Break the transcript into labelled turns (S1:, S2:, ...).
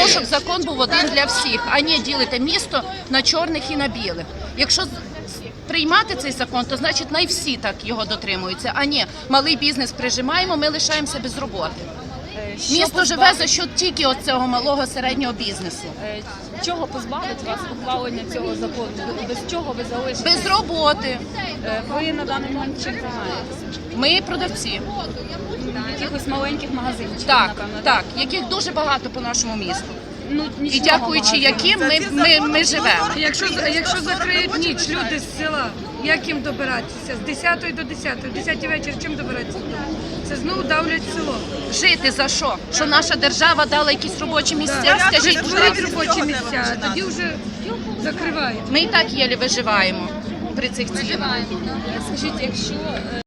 S1: тому, щоб закон був один для всіх, а не ділити місто на чорних і на білих. Якщо приймати цей закон, то значить най всі так його дотримуються, а не малий бізнес прижимаємо, ми лишаємося без роботи. Місто живе за що тільки от цього малого середнього бізнесу.
S2: Чого позбавить вас ухвалення цього закону? Без чого ви залишитесь?
S1: Без роботи.
S2: Ви на даний момент чим займаєтеся?
S1: Ми продавці.
S2: Якихось маленьких магазинчиків,
S1: Так,
S2: напевно.
S1: так, яких дуже багато по нашому місту.
S2: Ну,
S1: І
S2: нічного
S1: дякуючи
S2: магазину.
S1: яким ми живемо.
S3: Якщо закриють ніч люди з села, як їм добиратися? З 10 до 10, в 10 вечір чим добиратися? Це знову давлять село.
S1: Жити за що? Що наша держава дала якісь робочі місця? Скажіть, будь
S3: Створіть
S1: ласка.
S3: робочі місця, а тоді вже закривають.
S1: Ми і так єлі виживаємо при цих цінах.
S2: Скажіть, якщо